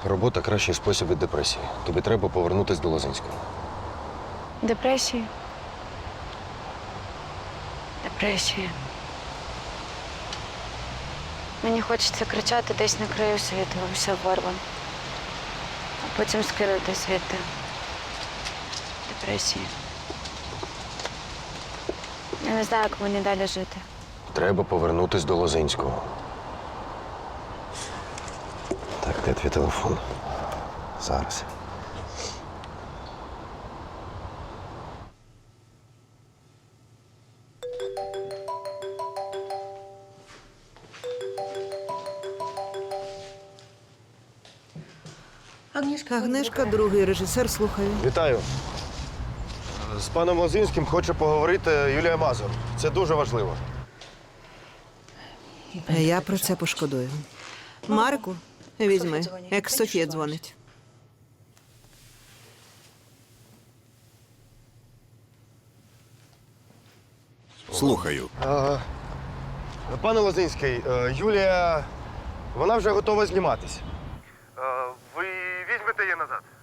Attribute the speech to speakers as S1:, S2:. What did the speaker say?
S1: Робота кращий спосіб від депресії. Тобі треба повернутися до Лозинського.
S2: Депресії. Депресії. Мені хочеться кричати десь на краю світу, все вирвано. А потім скинути звідти. Депресії. Я не знаю, як мені далі жити.
S1: Треба повернутися до Лозинського. Так, де твій телефон? Зараз.
S3: Агнешка, другий режисер, слухаю.
S1: Вітаю. З паном Лозинським хоче поговорити Юлія Мазур. Це дуже важливо.
S3: Я про це пошкодую. Марку, візьми, екс-Софія дзвонить.
S4: Слухаю.
S1: Пане Лозинський, Юлія, вона вже готова зніматись. Ви візьмете її назад?